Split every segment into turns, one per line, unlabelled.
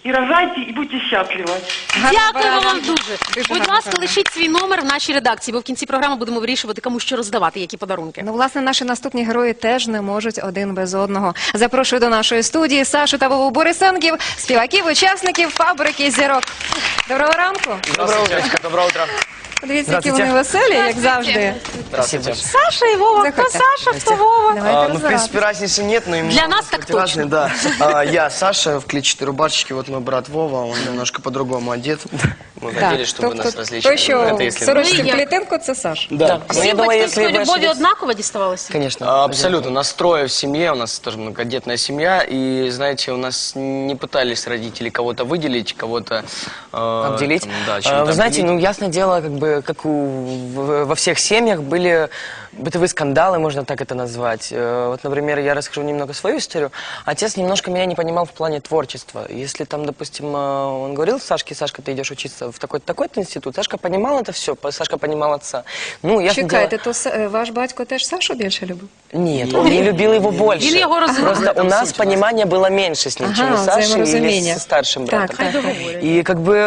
и рожайте, и будьте счастливы.
Дякуємо вам дуже. Будь ласка, лишіть свій номер в нашій редакції, бо в кінці програми будемо вирішувати, кому що роздавати, які подарунки.
Ну, власне, наші наступні герої теж не можуть один без одного. Запрошую до нашої студії Сашу та Вову Борисенків, співаків, учасників «Фабрики зірок». Доброго ранку.
Доброе утро. Доброе утро.
Подивіться, які вони веселі, як завжди.
Здравствуйте.
Саша і Вова. Хто
Заходьте.
Саша, хто Вова?
Давайте
Ну, в принципе,
розбиратися.
разницы нет, но именно...
Для нас так точно.
Разные, да. Я Саша в клетчатой рубашечке, вот мой брат Вова, он немножко по-другому одет. Мы хотели, чтобы нас различили.
Той, що
Это
в
если...
сорочці
Ну,
в
і як?
клітинку, це Саша.
Да.
Всім
Ну, я думаю, если
батьківської
вы
любові
ошиблись-
однаково діставалося?
Конечно. Абсолютно. Нас трое в семье, у нас тоже многодетная семья, и, знаете, у нас не пытались родители кого-то выделить, кого-то...
Обделить.
там, да, чем-то
Вы знаете,
обделить.
ну, ясное дело, как во всех семьях были бытовые скандалы, можно так это назвать. Вот, например, я расскажу немного свою историю. Отец немножко меня не понимал в плане творчества. Если там, допустим, он говорил Сашке: Сашка, ты идешь учиться в такой-то институт, Сашка понимал это все, Сашка понимал отца. Ну, ясное дело...
Чекайте, то ваш батько теж Сашу більше любив?
Нет, он не любил его больше.
Или его разумел.
Просто у нас понимания было меньше с ним, чем у Саши
взаиморазумение.
или с старшим братом.
Так.
И как бы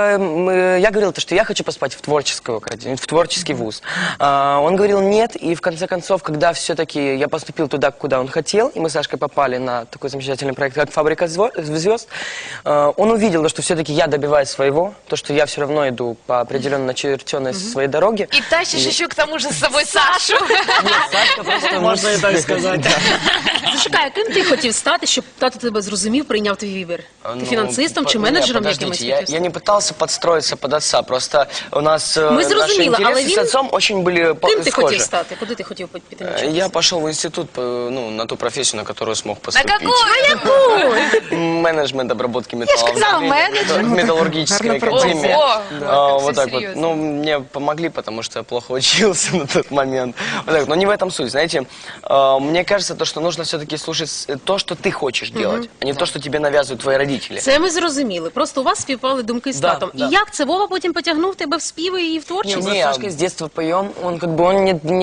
я говорил, что я хочу поступать в творческую академию, в творческий вуз. Он говорил нет, и в конце концов, когда все-таки я поступил туда, куда он хотел, и мы с Сашкой попали на такой замечательный проект, как «Фабрика звезд», он увидел, что все-таки я добиваюсь своего, то, что я все равно иду по определенно начертенной своей дороге.
И тащишь еще к тому же с собой Сашу.
Сашка просто...
Можно и так сказать.
Зачекай, ким ти хотів стати, щоб тато тебе зрозумів, прийняв твій вибір? Ти фінансистом чи менеджером якимось?
Я не пытался подстроиться под отца, просто у нас
Мы
наши
зрозуміли, але
интересы
він-
с отцом очень были
Ким ти хотів
схожи.
стати? Куди ти хотів піти навчатися?
Я пошел в институт, ну, на ту профессию, на которую смог
На
поступить.
какую?
Менеджмент обработки металла.
сказала, менеджер.
В металлургической
Гарна
академии.
Ого, как
Вот
всё
так вот.
серьезно.
Ну, мне помогли, потому что я плохо учился на тот момент. Вот так, но не в этом суть, знаете. Мне кажется, то, что нужно все-таки слушать то, что ты хочешь делать, а не то, что тебе навязывают твои родители.
Це ми зрозуміли. Просто у вас співпали думки з
Да,
татом.
да.
І як це Вова потім потягнув тебе в співи і в творчість?
Мы с Сашкой с детства поем, он как бы он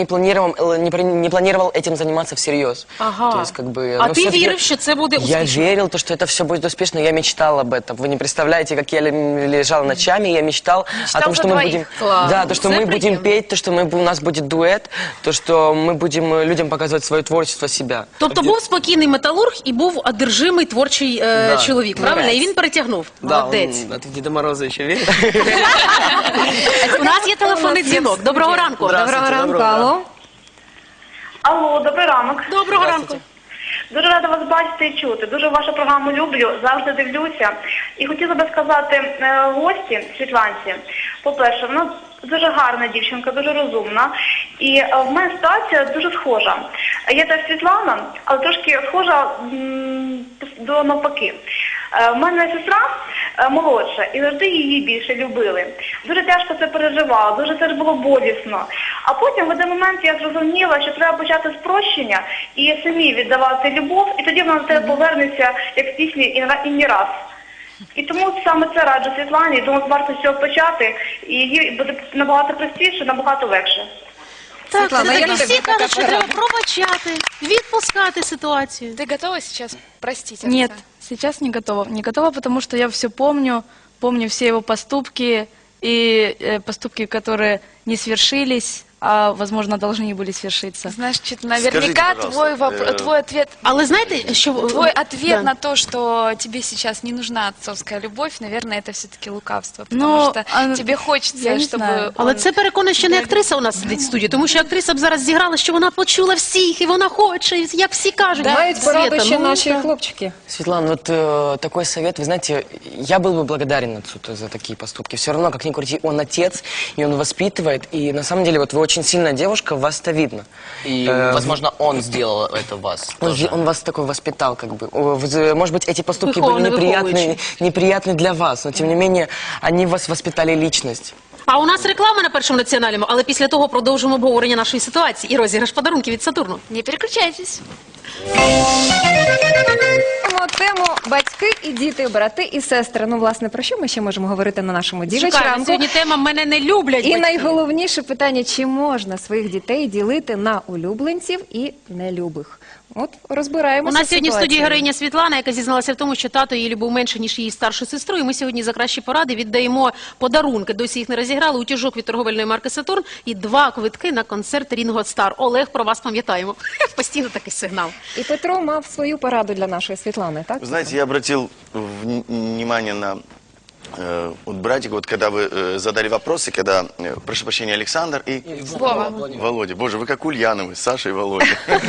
не планировал этим заниматься всерьез.
Ага.
То есть, как бы,
А
ну,
ти
всё-таки
вірив, що це буде
Я
успішно?
верил, что это все будет успешно, я мечтал об этом. Вы не представляете, как я лежал ночами, я мечтал о том,
за
что мы
двоих.
будем...
Класс.
Да, то, что
Це
мы будем
приємно.
петь, то, что у нас будет дуэт, то, что мы будем людям показывать свое творчество, себя.
Тобто був спокійний металург і був одержимий творчий чоловік, правильно? І він перетягнув. Молодець.
Да, ты в Деда Мороза еще веришь?
У нас є телефонний дзвінок. Доброго ранку.
Доброго ранку, алло.
Алло, добрий ранок.
Доброго ранку.
Дуже рада вас бачити і чути. Дуже вашу програму люблю, завжди дивлюся. І хотіла би сказати гості, Світланці, по-перше, вона дуже гарна дівчинка, дуже розумна. І в мене ситуація дуже схожа. Я теж Світлана, але трошки схожа до навпаки. В мене сестра молодша, і завжди її більше любили. Дуже тяжко це переживала, дуже це ж було болісно. А потім в один момент я зрозуміла, що треба почати з прощення і самі віддавати любов, і тоді вона до тебе повернеться, як в пісні «І не раз». І тому саме це раджу Світлані, думаю, варто з цього почати, і їй буде набагато простіше, набагато легше.
Так,
Світлана,
це
як
таки
тобі
всі
така
кажуть, що треба пробачати, відпускати ситуацію.
Ты готова сейчас простить отца?
Нет, сейчас не готова. Не готова, потому что я все помню, помню все его поступки и поступки, которые не свершились, а, возможно, должны были свершиться.
Значит, наверняка твой ответ...
Але знаєте, що...
Твой ответ
Да.
на то, что тебе сейчас не нужна отцовская любовь, наверное, это все-таки лукавство, потому
Ну,
что тебе хочется,
я не
чтобы...
знаю.
Але це переконує, що не актриса у нас сидить в студії, тому що актриса б зараз зіграла, що вона почула всіх, і вона хоче, і як всі кажуть.
Мають пораду
Света,
ще
ну,
наші
так.
хлопчики.
Светлана, вот такой совет, вы знаете, я был бы благодарен отцу за такие поступки. Все равно, как ни крути, он отец, и он воспитывает, и на самом деле вот вы очень сильная девушка, вас-то видно.
И, возможно, он сделал это вас. тоже.
Он вас такой воспитал, как бы. Может быть, эти поступки
Выхованы,
были неприятны для вас, но тем не менее, они вас воспитали личность.
А у нас реклама на Першому національному, але після того продовжимо обговорення нашої ситуації і розіграш подарунків від Сатурну.
Не переключайтесь.
Тему батьки і діти, брати і сестри. Ну, власне, про що ми ще можемо говорити на нашому
Шикарно.
дівчатку?
Сьогодні тема «Мене не люблять
І
батьки».
найголовніше питання, чи можна своїх дітей ділити на улюбленців і нелюбих? От розбираємося.
У нас сьогодні в студії
ситуацією.
героїня Світлана, яка зізналася в тому, що тато її любив менше, ніж її старшу сестру. І ми сьогодні за кращі поради віддаємо подарунки. Досі їх не розіграли. Утюжок від торговельної марки «Сатурн» і 2 квитки на концерт Рінго Стар. Олег, про вас пам'ятаємо. Постійно такий сигнал.
І Петро мав свою пораду для нашої Світлани, так?
Вы знаете, я обратил внимание на вот братик, вот когда вы задали вопросы, когда, прошу прощения, Александр и Володя. Боже, вы как Ульяновы, Саша и Володя.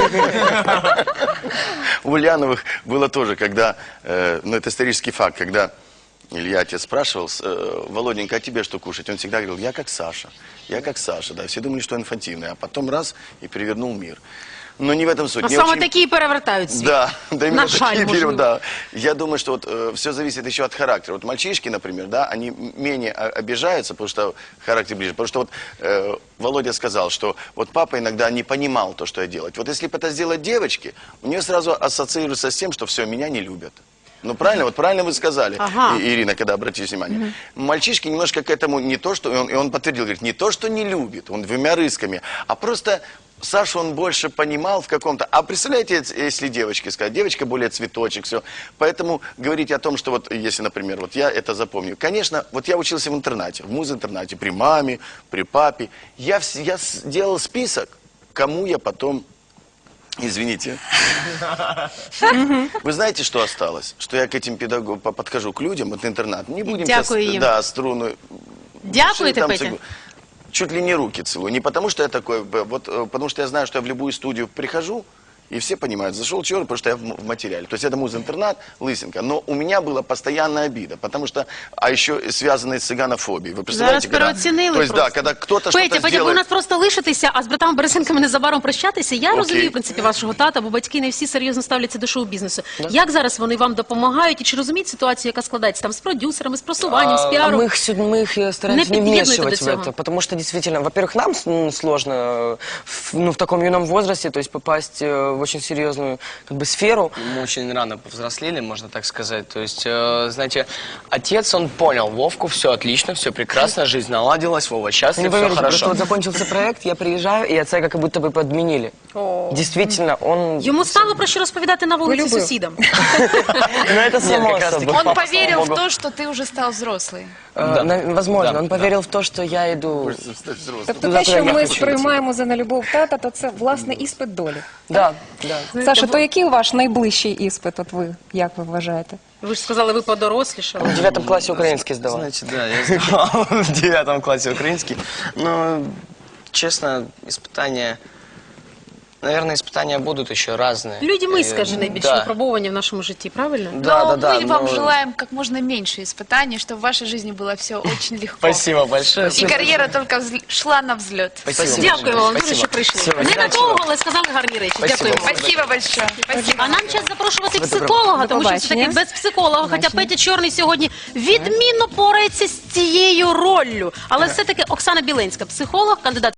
У Ульяновых было тоже, когда, ну это исторический факт, когда Илья тебя спрашивал, Володенька, а тебе что кушать? Он всегда говорил, я как Саша, да, все думали, что инфантильный, а потом раз и перевернул мир. Но не в этом суть.
А
Мне
саме
очень-
такі і перевертають світ.
Да, да, именно
На жаль,
такие
можливо.
периоды, да. Я думаю, что вот все зависит еще от характера. Вот мальчишки, например, да, они менее обижаются, потому что характер ближе. Потому что вот Володя сказал, что вот папа иногда не понимал то, что я делать. Вот если бы это сделать девочке, у нее сразу ассоциируется с тем, что все, меня не любят. Ну правильно, вот правильно вы сказали,
Ага.
Ирина, когда обратите внимание. Мальчишки немножко к этому не то, что, и он подтвердил, говорит, не то, что не любит, он двумя рысками, а просто Сашу он больше понимал в каком-то... А представляете, если девочке сказать, девочка более цветочек, все. Поэтому говорить о том, что вот, если, например, вот я это запомню. Конечно, вот я учился в интернате, в муз-интернате, при маме, при папе. Я делал список, кому я потом... Извините. Вы знаете, что осталось? Что я к этим педагогам подхожу к людям, вот интернат. Не будем
Дякую
сейчас,
им.
да, струну.
Дякуєте,
там
Петя?
чуть ли не руки целую. Не потому, что я такой, вот, потому что я знаю, что я в любую студию прихожу, и все понимают, зашел черт, потому что я в материале. То есть это муз-интернат, лысинка. Но у меня была постоянная обида, потому что, а еще связанная с цыганофобией. Вы
Зараз
представляете,
переоцінили
то есть,
просто.
да, когда кто-то
Петя,
что-то
Петя, ви у
сделает...
нас просто лишитеся, а з братами Борисенками незабаром прощатися. Я
Окей.
розумію, в принципі, вашого тата, бо батьки не всі серйозно ставляться до шоу-бізнесу. Як зараз вони вам допомагають і чи розуміють ситуацію, яка складається там з продюсерами, з просуванням, з піаром?
Мы их стараемся
Не
не
подъедут
вмешивать
до
в
этого.
это, потому что действительно, во-первых, нам сложно в таком юном возрасте, то есть попасть в очень серьезную как бы сферу.
Мы очень рано повзрослели, можно так сказать. То есть, знаете, отец, он понял Вовку, все отлично, все прекрасно, жизнь наладилась, Вова
Не
счастлив, все
поверите, просто
хорошо.
вот закончился проект, я приезжаю, и отца как будто бы подменили. Действительно, он...
Йому стало про що розповідати на вулиці
Полюбив.
сусідам.
Ну, это само
как раз
собой.
таки.
Он
Папа,
поверил
слава
в
богу.
то, что ты уже стал взрослый.
Возможно,
Да,
он
да.
поверил в то, что я иду...
Тобто
Туди,
те, що
куди я
ми
хочу
сприймаємо за нелюбов тата, то це, власне, іспит долі.
Да, да.
Саша, то який ваш найближчий іспит, от ви, як ви вважаєте?
Ви ж сказали, ви подорослішали.
В 9 классе украинский сдавал.
Значит, да, я сдавал в 9 классе украинский. Но, честно, испытания... Наверное, испытания будут еще разные.
Люди ми,
Э,
скажи, найбільш
да.
випробовані в нашому житті, правильно?
Да,
Но
да, да.
мы вам
но-
желаем как можно меньше испытаний, чтобы в вашей жизни было все очень легко.
Спасибо большое.
И карьера только шла на взлет.
Спасибо.
Дякую вам дуже,
Спасибо.
що прийшли.
Всего,
Не
удачи
надовго,
вам.
але сказали гарні речі.
Спасибо.
Дякуємо.
Спасибо большое. Спасибо.
А нам час запрошувати психолога, тому що все таки
побачення.
без психолога. Хоча Петя Чорний сьогодні відмінно порається з цією роллю. Але все-таки Оксана Біленська, психолог, кандидат